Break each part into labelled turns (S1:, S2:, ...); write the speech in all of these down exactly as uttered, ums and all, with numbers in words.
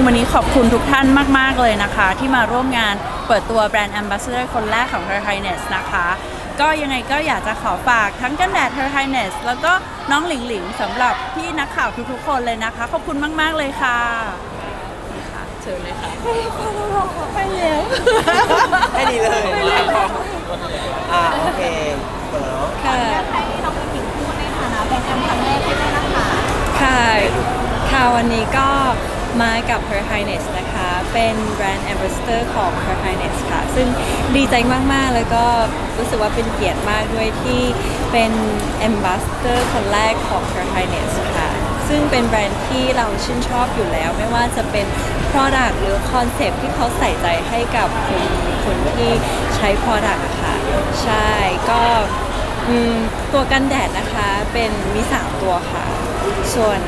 S1: งๆวันนี้ขอบคุณทุกท่านมากๆเลยนะคะที่มาร่วมงานเปิดตัวแบรนด์ Ambassador คนแรกของ Her Highness นะคะก็ยังไงก็อยากจะขอฝากทั้งกันแดด Her Highness แล้วก็น้องหลิงหลิงสำหรับพี่นักข่าวทุกๆคนเลยนะคะขอบคุณมากๆเลยค่ะเชิญเลยค่ะไปแล้ว
S2: แค่นี้เลยอ่าโอเคเปิดแล้ว
S3: ค่ะให้น้องหญิงพูดในฐานะเป็นครั้งแรกที่ได้นะคะ
S4: ค่ะค่ะวันนี้ก็มากับ Her Highness นะคะ เป็นแบรนด์ Ambassador ของ Her Highness ค่ะ ซึ่งดีใจมาก ๆ แล้วก็รู้สึกว่าเป็นเกียรติมากด้วยที่เป็น Ambassador คนแรกของ Her Highness ค่ะ ซึ่งเป็นแบรนด์ที่เราชื่นชอบอยู่แล้ว ไม่ว่าจะเป็น Product หรือ Concept ที่เขาใส่ใจให้กับคนคนที่ใช้ Product อะค่ะ ใช่ ก็ตัวกันแดดนะคะเป็นมีสามตัวค่ะ ส่วน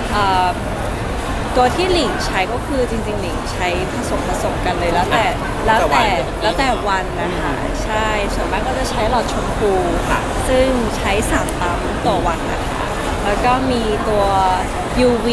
S4: ตัวที่หลิงใช้ก็คือจริงๆหลิงใช้ผสมผสมกันเลยแล้วแต่แล้วแต่แล้วแต่วันนะคะใช่ส่วนมากก็จะใช้หลอดชมพูซึ่งใช้สามปั๊มต่อวันนะคะแล้วก็มีตัว ยู วี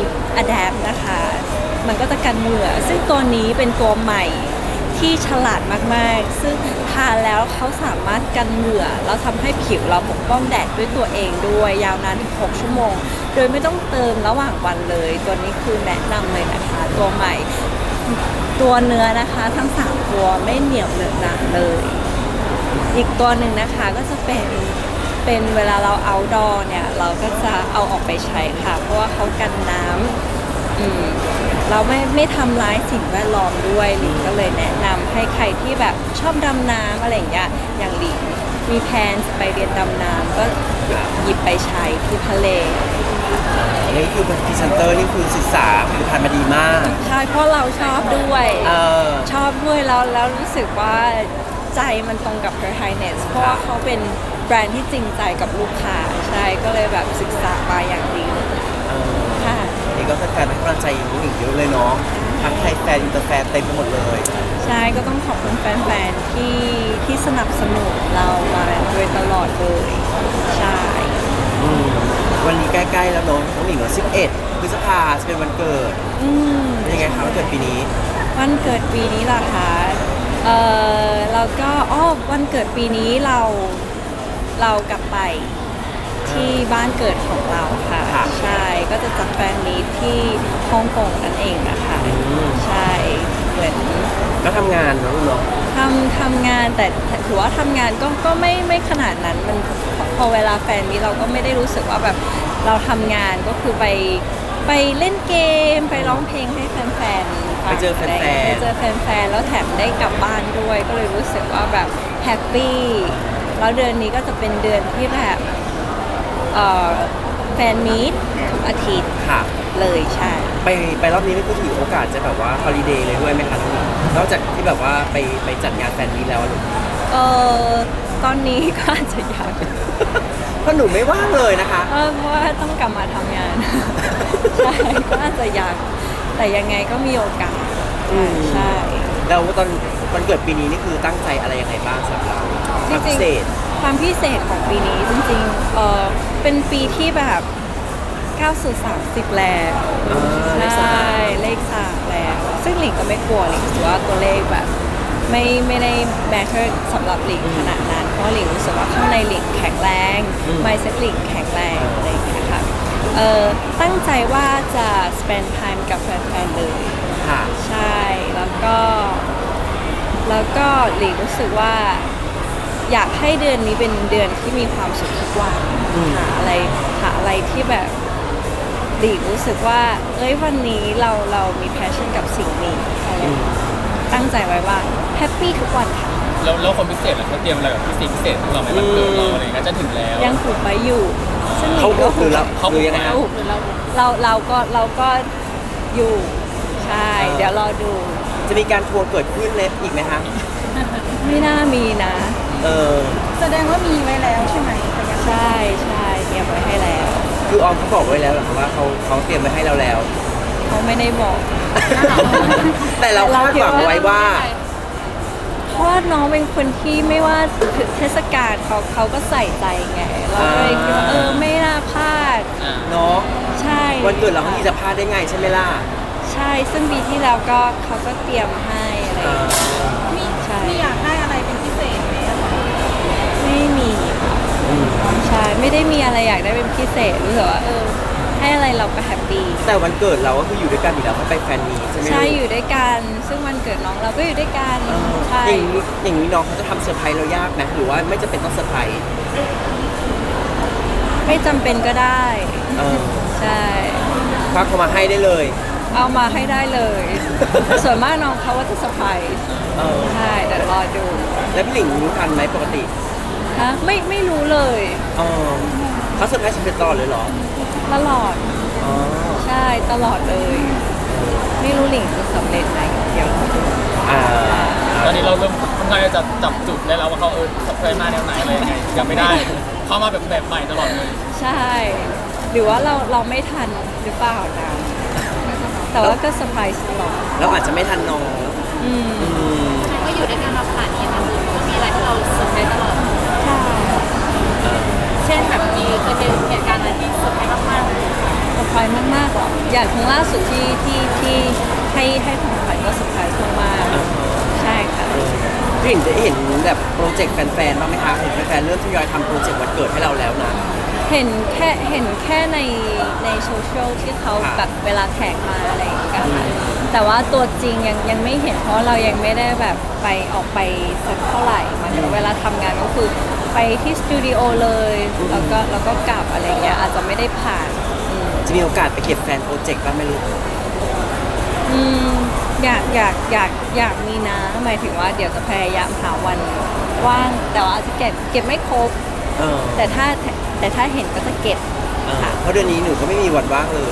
S4: Adapt นะคะมันก็จะกันเหงื่อซึ่งตัวนี้เป็นตัวใหม่ที่ฉลาดมากๆซึ่งทานแล้วเขาสามารถกันเหงื่อแล้วทำให้ผิวเราปกป้องแดดด้วยตัวเองด้วยยาวนานถึงหกชั่วโมงโดยไม่ต้องเติมระหว่างวันเลยตัวนี้คือแนะนำเลยนะคะตัวใหม่ตัวเนื้อนะคะทั้งสามตัวไม่เหนียวเหนอะหนะเลยอีกตัวหนึ่งนะคะก็จะเป็นเป็นเวลาเราเอาดอเนี่ยเราก็จะเอาออกไปใช้ค่ะเพราะว่าเขากันน้ำอืมเราไม่ไม่ทำร้ายสิ่งแวดล้อมด้วยหลิงก็เลยแนะนำให้ใครที่แบบชอบดำน้ำอะไรอย่างเงี้ยอย่างหลิงมีแพลนไปเรียนดำน้ำก็หยิบไปใช้ที่ทะเล
S2: นี่คือเป็นพรีเซนเตอร์นี่คือศึกษาผลิตภัณฑ์มาดีมาก
S4: ใช่เพราะเราชอบด้วยชอบด้วยแล้วแล้วรู้สึกว่าใจมันตรงกับ Her Highness เพราะว่าเขาเป็นแบรนด์ที่จริงใจกับลูกค้าใช่ก็เลยแบบศึกษามาอย่างดีเลยค่ะ
S2: นี่ก็แฟนๆให้กำลังใจยิ่งอีกเยอะเลยเนาะทั้งไทยแฟนอินเตอร์แฟนเต็มไปหมดเลย
S4: ใช่ก็ต้องขอบคุณแฟนๆที่ที่สนับสนุนเรามาโดยตลอดเลยใช่
S2: วันนี้ใกล้ๆแล้วเนาะน้องหญิงเหรอสิบเอ็ดพฤษภาจะเป็นวันเกิด
S4: อืม
S2: ยังไงคะวันเกิดปีนี้
S4: วันเกิดปีนี้ล่ะคะเออเราก็อ๋อวันเกิดปีนี้เราเรากลับไปที่บ้านเกิดของเราค่ะใช่ก็จะจัดแฟนมีตที่ฮ่องกงนั่นเองนะคะใช่เหมือน
S2: ก็ทำงานเนาะเนาะ
S4: ทำทำงานแต่ถือว่าทำงานก็ก็ไม่ไม่ขนาดนั้นมันพอเวลาแฟนมีเราก็ไม่ได้รู้สึกว่าแบบเราทำงานก็คือไปไปเล่นเกมไปร้องเพลงให้แฟนๆ
S2: ไปเจอแฟนๆ
S4: ไปเจอแฟนๆแล้วแถมได้กลับบ้านด้วยก็เลยรู้สึกว่าแบบแฮปปี้แล้วเดือนนี้ก็จะเป็นเดือนที่แบบแฟนมีตทุกอาทิตย์เลยใช่
S2: ไปไปรอบนี้นี่ก็ถือโอกาสจะแบบว่าฮอลิเดย์เลยด้วยไหมคะนอกจากที่แบบว่าไปไปจัดงานแฟนมีตแล้วหรือ
S4: เออตอนนี้ก็อาจจะอยาก
S2: เพราะหนูไม่ว่างเลยนะคะ
S4: เออเพราะว่าต้องกลับมาทำงานใช่ก็อาจจะอยากแต่ยังไงก็มีโอกาสใช่
S2: แล้วตอนวันเกิดปีนี้นี่คือตั้งใจอะไรยังไงบ้างสำหรับเราความพิเศษ
S4: ความพิเศษของปีนี้จริงๆเออเป็นปีที่แบบก้าวสู่สามสิบแล้วใช่เลขสามแล้วซึ่งหลิงก็ไม่กลัวหลิงถือว่าตัวเลขแบบไม่ไม่ได้แมทเทอร์สำหรับหลิงขนาดนั้นเพราะหลิงรู้สึกว่าข้างในหลิงแข็งแรงไมซ์เซ็ตหลิงแข็งแรงอะไรอย่างเงี้ยค่ะเออตั้งใจว่าจะ spend time กับแฟนๆเลยใช่แล้วก็แล้วก็หลิงรู้สึกว่าอยากให้เดือนนี้เป็นเดือนที่มีความสุขทุกวันหาอะไรหาอะไรที่แบบหลิงรู้สึกว่าเอ้ยวันนี้เราเรามีแพชชั่นกับสิ่งนี้อะไรตั้งใจไว้ว่าแฮปปี้ทุกวันค่ะ
S5: แล้วแล้วคนพิเศษเขาเตรียมอะไรแบบพิเศษพิเศษของเราไหมวันเกิดเราอะไรก็จะถึงแล้ว
S4: ยังถูกไปอยู่
S2: ซึ่งเขาคือเราเขาคือยังไง
S4: เราเราก็เราก็อยู่ใช่เดี๋ยวรอดู
S2: จะมีการทัวร์เกิดขึ้นเลยอีกไหมคะ
S4: ไม่น่ามีนะ
S2: เออ
S3: แสดงว่ามีไว้แล้วใช่ไหม
S4: ใช่ใช่เตรียมไว้ให้แล้ว
S2: คือออมเขาบอกไว้แล้วเหรอคะว่าเขาเขาเตรียมไว้ให้เราแล้ว
S4: เขาไม่ได้บอก
S2: แต่เราคาดหวังไว้ว่า
S4: เพราะน้องเป็นคนที่ไม่ว่าเทศกาลเขาเขาก็ใส่ใจไงเราก็เลยคิดว่าเออไม่น่าพลาด
S2: เนาะ
S4: ใช่
S2: วันเกิดเราที่จะพลาดได้ไงใช่ไหมล่ะ
S4: ใช่ช่ซึ่งปีที่แล้วก็เขาก็เตรียมให้อะไรอ
S2: อ่
S4: ย่างเงี้ย
S2: า
S3: มี
S4: ใช่
S3: มีอยากได้อะไรเป็นพิเศษไหมอะคะ
S4: ไม่มีค่ะ
S2: อืม
S4: ใช่ไม่ได้มีอะไรอยากได้เป็นพิเศษรู้สึกว่าเออให้อะไรเราก็แฮปปี้
S2: แต่วันเกิดเราก็คืออยู่ด้วยกันอยู่แล้วไม่ไปแฟนมีตใช่ไหม
S4: ใช่
S2: ลูก
S4: อยู่ด้วยกัน ซึ่งวันเกิดน้องเราก็อยู่ด้วยกัน
S2: เออ
S4: ใช่
S2: อย่างนี้อย่างนี้น้องเขาจะทำเซอร์ไพรส์เรายากนะหรือว่าไม่จำเป็นต้องเซอร์ไพรส์
S4: ไม่จำเป็นก็ได้
S2: เออ
S4: ใช่
S2: ควักเขามาให้ได้เลย
S4: เอามาให้ได้เลย ส่วนมากน้องเขาว่าจะเซอร์ไพรส์
S2: เออ
S4: ใช่เดี๋ยวรอดู
S2: แล้วพี่หลิงรู้ทันไหมปกติ
S4: ฮะไม่ไม่รู้เลย
S2: เออเขาเซอร์ไพรส์สำเร็จตลอดเลยเหรอ
S4: ตลอด
S2: อ๋อ
S4: ใช่ตลอดเลย ไม่รู้หลิงจะสำเร็จไหมเดี๋ยวรอดู
S2: อ่า
S5: ตอนนี้เราเริ่มค่อนข้างจะจับจุดได้แล้วว่าเขาเออเคยมาแนวไหนอะไรยังไงยังไม่ได้ เข้ามาแบบแบบใหม่ตลอดเลย
S4: ใช่ หรือว่าเราเราไม่ทันหรือเปล่านะ แต่ว่าก็เซอร์ไพรส์ตลอด
S2: เราอาจจะไม่ทันน้อง
S4: อืม
S2: อืม
S3: ก็อยู่ด้วยกันมาขนาดนี้นะคือมีอะไรที่เราเซอร์ไพรส์ตลอด
S4: ใช่
S3: เช่นแบบมีเคยเป็นเหตุการณ์อะไรที่เซอร์ไพรส์มากๆเลย
S4: เซอร์ไพรส์มากๆหรออย่างครั้งล่าสุดที่ที่ที่ให้ให้ของขวัญก็เซอร์ไพรส์มากๆใช่ค่ะ
S2: พี่หลิงได้เห็นแบบโปรเจกต์แฟนๆบ้างไหมคะเห็นแฟนๆเริ่มทยอยทำโปรเจกต์วันเกิดให้เราแล้วนะ
S4: เห็นแค่เห็นแค่ในในโซเชียลที่เขา
S2: ค่ะ
S4: แบบเวลาแท็กมาอะไรอย่างเงี้ยค่ะแต่ว่าตัวจริงยังยังไม่เห็นเพราะเรายังไม่ได้แบบไปออกไปสักเท่าไหร่หมันเวลาทำงานก็คือไปที่สตูดิโอเลยแล้วก็แล้วก็กลับอะไรเงี้ยอาจจะไม่ได้ผ่านอืม
S2: จะมีโอกาสไปเก็บแฟนโปรเจกต์บ้างไหมลูก
S4: อืมอยากอยากอยากอยากมีนะหมายถึงว่าเดี๋ยวจะพยายามหาวันว่างแต่ว่าอาจจะเก็บเก็บไม่ครบ
S2: เออ
S4: แต่ถ้าแต่ถ้าเห็นก็จะเก็บ
S2: เออเพราะเดือนนี้หนูก็ไม่มีวันว่างเลย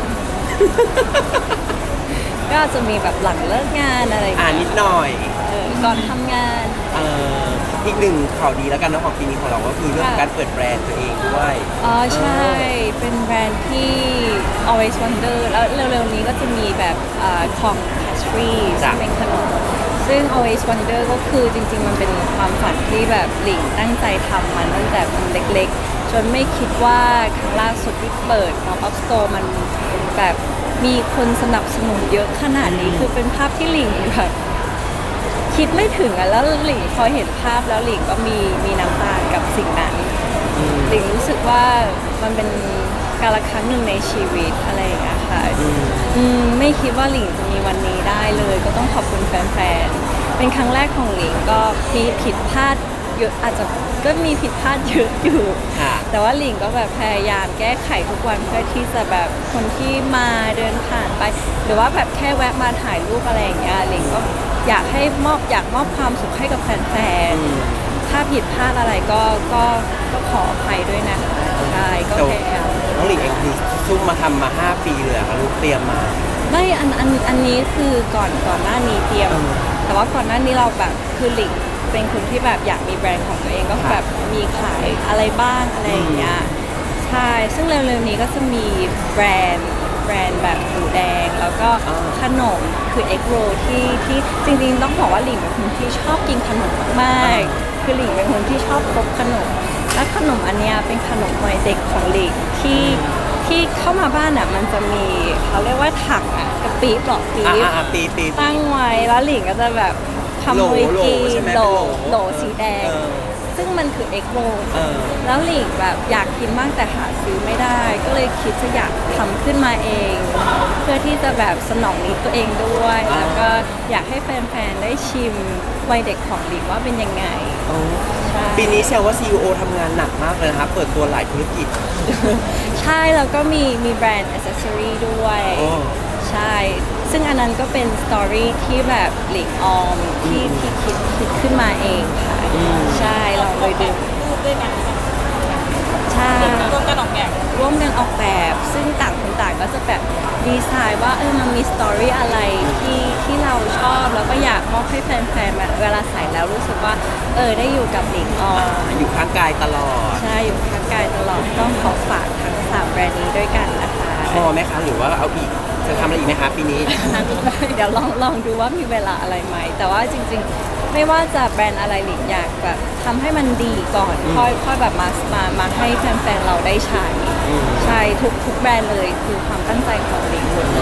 S4: ก็อาจจะมีแบบหลังเลิกงานอะไรอย่าง
S2: อ่า
S4: เงี้ย
S2: นิดหน่อย
S4: เออก่อนทำงาน
S2: เอ่ออีกหนึ่งข่าวดีแล้วกันเนาะของปีนี้ของเราก็คือเรื่องของการเปิดแบรนด์ตัวเองด้วย
S4: อ๋อใช่ เป็นแบรนด์ที่ always wonder แล้วเร็วๆนี้ก็จะมีแบบเอ่อของ pastry
S2: จ้ะ
S4: เป็นขนม ซึ่ง always wonder ก็คือจริงๆ มันเป็นความฝันที่แบบหลิงตั้งใจทำมันตั้งแต่มันเล็กๆ จนไม่คิดว่าครั้งล่าสุดที่เปิด pop up store มันแบบมีคนสนับสนุนเยอะขนาดนี้ คือเป็นภาพที่หลิงแบบ คิดไม่ถึงอะแล้วหลิงพอเห็นภาพแล้วหลิงก็มีมีน้ำตากับสิ่งนั้นหลิงรู้สึกว่ามันเป็นกาลครั้งหนึ่งในชีวิตอะไรอย่างเงี้ยค่ะอืมไม่คิดว่าหลิงจะมีวันนี้ได้เลย ก็ต้องขอบคุณแฟนๆเป็นครั้งแรกของหลิงก็มีผิดพลาดเยอะอาจจะก็มีผิดพลาดเยอะอยู่
S2: ค่ะ
S4: แต่ว่าหลิงก็แบบพยายามแก้ไขทุกวันเพื่อที่จะแบบคนที่มาเดินผ่านไป หรือว่าแบบแค่แวะมาถ่ายรูปอะไรอย่างเงี้ยหลิงก็อยากให้มอบอยากมอบความสุขให้กับแฟนๆถ้าผิดพลาดอะไรก็ก็ก็ขออภัยด้วยนะคะใช่ก็พยายาม
S2: น้องหลิงเองคือซุ่มมาทำมาห้าปีเลยอะค่ะลูกเตรียมมา
S4: ไม่อันอันอันนี้คือก่อนก่อนหน้านี้เตรียม
S2: เออ
S4: แต่ว่าก่อนหน้านี้เราแบบคือหลิงเป็นคนที่แบบอยากมีแบรนด์ของตัวเองก็แบบมีขายอะไรบ้างอะไรอย่างเงี้ยใช่ซึ่งเร็วๆนี้ก็จะมีแบรนด์แบรนด์แบบหมูแดง แล้วก็
S2: อ่า
S4: ขนมคือเอ็กโรที่ที่จริงๆต้องบอกว่าหลิงเป็นคนที่ชอบกินขนมมากๆคือหลิงเป็นคนที่ชอบพบขนม และขนมอันเนี้ยเป็นขนมวัยเด็กของหลิงที่ที่เข้ามาบ้านอ่ะมันจะมีเขาเรียกว่าถังอ่ะกระปี๊บหรอกปี๊
S2: อ่า
S4: บ
S2: อ่าปีปี
S4: ตั้งไว้แล้วหลิงก็จะแบบขโมย
S2: โหล
S4: กิ
S2: ใช่
S4: น
S2: ไหม
S4: โหล
S2: เป็นโหล
S4: โหลสีแดง
S2: เออ
S4: ซึ่งมันคือเอ็กโร
S2: เออ
S4: แล้วหลิงแบบอยากกินมากแต่หาซื้อไม่ได้ ก็เลยคิดจะอยากทำขึ้นมาเอง เพื่อที่จะแบบสนองนิดตัวเองด้วย
S2: อ่า
S4: แล้วก็อยากให้แฟนๆได้ชิมวัยเด็กของหลิงว่าเป็นยังไง
S2: อ๋อ
S4: ใช่
S2: ปีนี้แซวว่า ซี อี โอ ทำงานหนักมากเลยนะคะเปิดตัวหลายธุรกิจ
S4: ใช่แล้วก็มีมีแบรนด์อ c เซสซอรี่ด้วย
S2: โอ้
S4: ใช่ ซึ่งอันนั้นก็เป็นสตอรี่ที่แบบหลิงออมที่ที่คิดคิดขึ้นมาเองค่ะ ใช่เราเลยดู
S3: รูปด้วยกัน
S4: ใช่
S3: ร่วมกันออกแบบ
S4: ร่วมกันออกแบบ ซึ่งต่างคนต่างก็จะแบบดีไซน์ว่าเออมันมีสตอรี่อะไรที่ที่เราชอบ แล้วก็อยากมอบให้แฟนๆแบบเวลาใส่แล้วรู้สึกว่าเออได้อยู่กับหลิงออม
S2: อยู่ข้างกายตลอด
S4: ใช่อยู่ข้างกายตลอดต้องขอฝากทั้งสามแบรนด์นี้ด้วยกันนะคะ
S2: พอไหมคะ หรือว่าเอาอีก จะทำอะไรอีกไหมคะปีนี้
S4: เดี๋ยวลองลองดูว่ามีเวลาอะไรไหม แต่ว่าจริงๆ ไม่ว่าจะแบรนด์อะไรหลิงอยากแบบทำให้มันดีก่อน ค่อยค่อยแบบมามามาให้แฟนๆเราได้ใช้
S2: อืม
S4: ใช่ทุกทุกแบรนด์เลยคือความตั้งใจของหลิงหมดเลย
S2: อ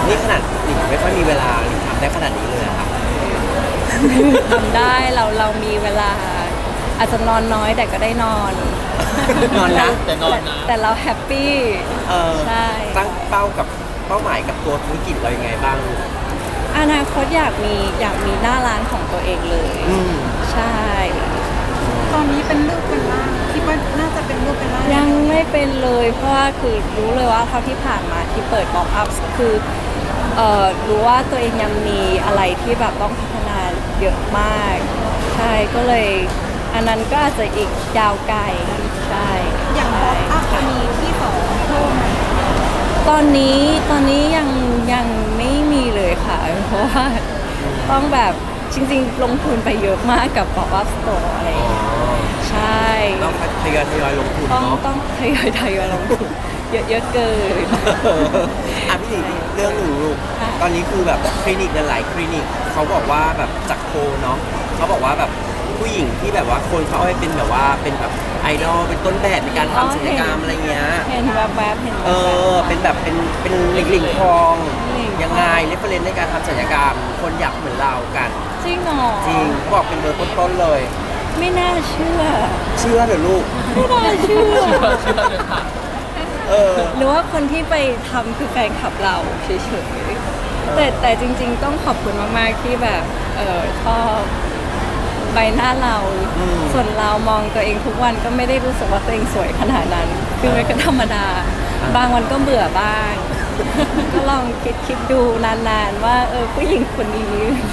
S2: นี่ขนาดหลิงไม่ค่อยมีเวลาหลิงทำได้ขนาดนี้เลยอะค่ะ
S4: ทำได้เราเรามีเวลา อาจจะนอนน้อยแต่ก็ได้นอน
S2: นอนนะ
S5: แต่นอนนะ
S4: แต่เราแฮปปี้
S2: เออ
S4: ใช่
S2: ตั้งเป้ากับเป้าหมายกับตัวธุรกิจเรายังไงบ้าง
S4: อนาคตอยากมีอยากมีหน้าร้านของตัวเองเลย
S2: อืม
S4: ใช่
S3: ตอนนี้เป็นลูกเป็นล่างคิดว่าน่าจะเป็นลูกเป็นล่าง
S4: ยังไม่เป็นเลย เพราะว่าคือรู้เลยว่าเท่าที่ผ่านมาที่เปิดบ็อกอัพคือเอ่อรู้ว่าตัวเองยังมีอะไรที่แบบต้องพัฒนาเยอะมาก ใช่ก็เลย อันนั้นก็อาจจะอีกยาวไกลใช่
S3: อย่างป๊อปอัพจะมีที่สองเพิ่มไหม
S4: ตอนนี้ตอนนี้ยังยังไม่มีเลยค่ะ เพราะว่าต้องแบบจริงๆ ลงทุนไปเยอะมากกับป๊อปอัพสโตร์อะไรอย่างเงี้ยใช่
S2: ต้องทยอยทยอยลงทุน
S4: ต้อง
S2: เนาะ
S4: ต้องทยอยทยอยลงทุนเยอะเยอะเกิน
S2: อ่ะพี่หลิงเรื่องหนึ่งลูก
S4: ค่ะ
S2: ตอนนี้คือแบบคลินิกหลายๆคลินิกเขาบอกว่าแบบจากโพลเนาะเขาบอกว่าแบบผู้หญิงที่แบบว่าคนเขาเอาไปเป็นแบบว่าเป็นแบบไอดอลเป็นต้นแบบในการทำศัลยกรรมอะไรเงี้ย
S4: เห็นแวบๆเห็นแว
S2: เอบ อ เป็นแบบเป็นเป็นหลิงหลิงทอง
S4: หลิงทอง
S2: ยังไงเรฟเฟรนในการทำศัลยกรรม คนอยากเหมือนเรากัน
S4: ๆจริงเหรอ
S2: จริงเขาบอกเป็นเบอร์ต้นๆเลย
S4: ไม่น่าเชื่อ
S2: เชื่อเถอะลูก
S4: ไม่น่าเชื่อ
S5: เชื่อเชื่อเลยค่ะ
S2: เออ
S4: หรือว่าคนที่ไปทำคือแฟนคลับเราเฉยๆแต่แต่จริงๆต้องขอบคุณมากๆที่แบบเออชอบใบหน้าเรา
S2: อืม
S4: ส่วนเรามองตัวเองทุกวันก็ไม่ได้รู้สึกว่าตัวเองสวยขนาดนั้น คือมันก็ธรรมดา บางวันก็เบื่อบ้าง ก็ลองคิดคิดดูนานๆ ว่าเออผู้หญิงคนนี้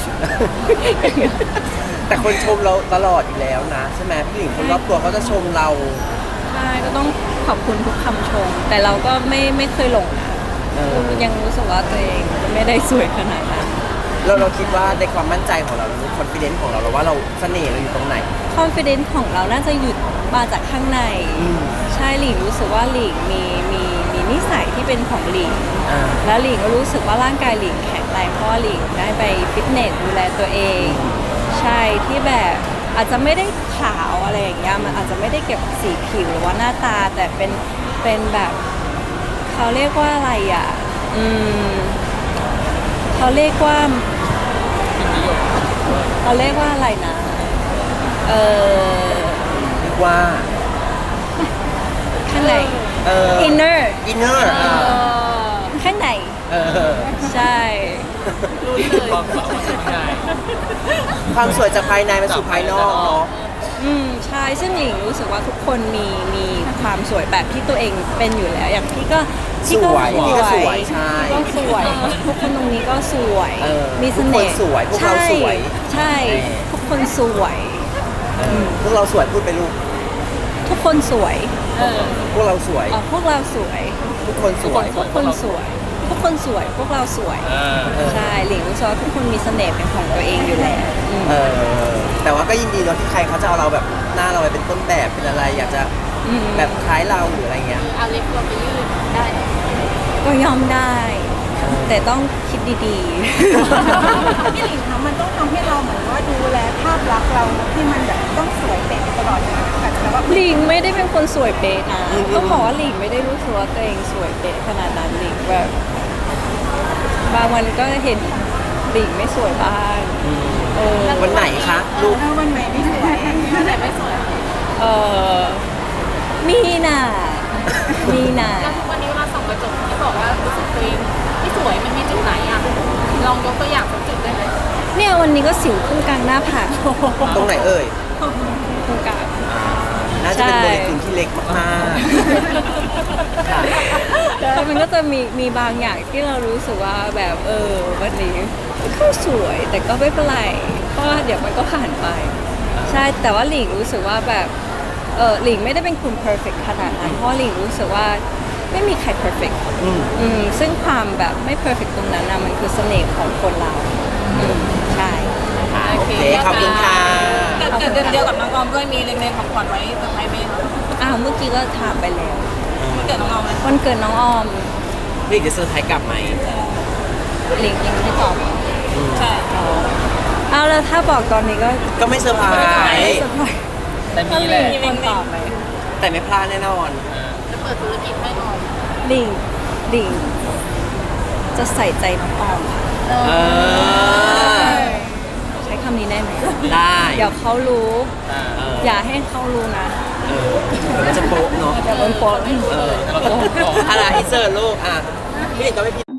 S2: แต่คนชมเราตลอดอยู่แล้วนะ ใช่ไหมพี่หลิงคนรอบตัวเขาจะชมเรา
S4: ใช่ก็ต้องขอบคุณทุกคำชม แต่เราก็ไม่ไม่เคยหลงนะ
S2: เออ
S4: ยังรู้สึกว่าตัวเองไม่ได้สวยขนาดนั้น
S2: เราเราคิดว่าในความมั่นใจของเราคอนฟิเดนซ์ของเราเราว่าเราเสน่ห์เราอยู่ตรงไหน
S4: confidence ของเราน่าจะหยุดมาจากข้างใน
S2: อืม
S4: ใช่หลิงรู้สึกว่าหลิงมีมีมีนิสัยที่เป็นของหลิง
S2: อ่า
S4: แล้วหลิงก็รู้สึกว่าร่างกายหลิงแข็งแรงเพราะว่าหลิงได้ไปฟิตเนสดูแลตัวเอง ใช่ที่แบบอาจจะไม่ได้ขาวอะไรอย่างเงี้ยมันอาจจะไม่ได้เก็บสีผิวหรือว่าหน้าตาแต่เป็นเป็นแบบเขาเรียกว่าอะไรอ่ะอืมเขาเรียกว่าเขาเรียกว่าอะไรนะ เออ
S2: เรียกว่า
S4: ข้างใน
S2: เออ
S4: inner
S2: อินเนอร์
S4: ข้างใน
S2: เออ
S4: ใช่
S5: ความสาวเป็นไง
S2: ความสวยจากภายในมาสู่ภายนอกเนาะ
S4: อืมใช่ซึ่งหญิงรู้สึกว่าทุกคนมีมีความสวยแบบที่ตัวเองเป็นอยู่แล้ว อย่างพี่ก็พี่ก็
S2: สวยพี่ก็สวยใช่
S4: พี่ก็สวยทุกคนตรงนี้ก็สวย
S2: เออ
S4: มีเสน่ห์
S2: ทุกคนสวยพวกเราสวย
S4: ใช่
S2: เออ
S4: ทุกคนสวย
S2: เออพวกเราสวยพูดไปลูก
S4: ทุกคนสวย
S2: พวกเราสวย
S4: อ๋อพวกเราสวย
S2: ทุกคนสวย
S4: ทุกคนสวย ทุกคนสวย พวกเราสวย
S5: เออ
S2: เออ
S4: ใช่หลิงรู้สึกว่าทุกคนมีเสน่ห์เป็นของตัวเองอยู่แล้วอืม
S2: เออแต่ว่าก็ยินดีเนาะที่ใครเขาจะเอาเราแบบหน้าเราไปเป็นต้นแบบเป็นอะไร อยากจะ
S4: อืม
S2: แบบคล้ายเราหรืออะไรเงี้ย
S3: เอาเล็บเราไปยืดได้
S4: ก็ยอมได้ แต่ต้องคิดดี
S3: พี่หลิงคะมันต้องทำให้เราเหมือนว่าดูแลภาพลักษณ์เราที่มันแบบต้องสวยเป๊ะตลอดนะแต่ว่า
S4: ๆ หลิงไม่ได้เป็นคนสวยเป๊ะนะ
S2: อืม
S4: ต้องบอกว่าหลิงไม่ได้รู้สึกว่าตัวเองสวยเป๊ะขนาดนั้นหลิงแบบบางวันก็เห็นหลิงไม่สวยบ้างเออ
S2: วันไหนคะลูก
S3: ถ้าวันไหนไม่สวยวันไหนไม่สวย
S4: เออมีน่ะมีน่ะ
S3: แล้วทุกวันนี้เวลาส่องกระจกที่บอกว่ารู้สึกตัวเองไม่สวยมันมีจุดไหนอ่ะลองยกตัวอย่างสักจุดได้ไหม
S4: เนี่ยวันนี้ก็สิวขึ้นกลางหน้าผาก
S2: ตรงไหนเอ่ย
S4: ตรงกลาง
S2: อ่าน่าจะเป็น
S4: ใช่
S2: โมเลกุลที่เล็กมากๆค่ะ
S4: แต่มันก็จะมีมีบางอย่างที่เรารู้สึกว่าแบบเออวันนี้ก็สวยแต่ก็ไม่เป็นไรเพราะว่าเดี๋ยวมันก็ผ่านไป ใช่แต่ว่าหลิงรู้สึกว่าแบบเออหลิงไม่ได้เป็นคุณ perfect ขนาดนั้นเพราะหลิงรู้สึกว่าไม่มีใคร perfect
S2: อืม
S4: อืมซึ่งความแบบไม่ perfect ตรงนั้นนะมันคือเสน่ห์ของคนเราอืมใช่
S2: ค่ะโอเค ขอบคุณค่ะ
S3: เกิดเดือนเดียวกับน้องออมด้วยมีเล็งๆของขวัญไว้เซอร์ไพรส์ไหมคะ
S4: อ้าวเมื่อกี้ก็ถามไปแล้ว
S3: วันเกิดน้องออมไหม
S4: วันเกิดน้องออม
S2: พี่จะเซอร์ไพรส์กลับไหม
S4: หลิงยังไม่ได้ตอบ
S3: ใช่
S4: อ๋อเอาแล้วถ้าบอกตอนนี้ก็
S2: ก็ไม่เซอร์ไพร
S4: ไม่
S2: ส์
S4: สบาย
S5: แต่มีแหละ
S4: มีคนตอบไหม
S2: แต่ไม่พลาดแน่นอน
S3: จะเปิดธุรกิจให้ออม
S4: หลิงหลิงจะใส่ใจน้องออมค่ะ
S2: เออ
S4: ใช้คำนี้ได้ไหม
S2: ได้
S4: เดี๋ยวเขารู้
S5: อ่า
S2: เออ
S4: อย่าให้เขารู้นะ
S2: เออเดี๋ยวมันจะโป๊ะเนาะ
S4: เดี๋ยวโดนโป๊ะ
S2: เออ
S5: เราต้องบอก
S2: อะไรอินเสิร์ตลูกอ่ะพี่หลิงก็ไม่ผิด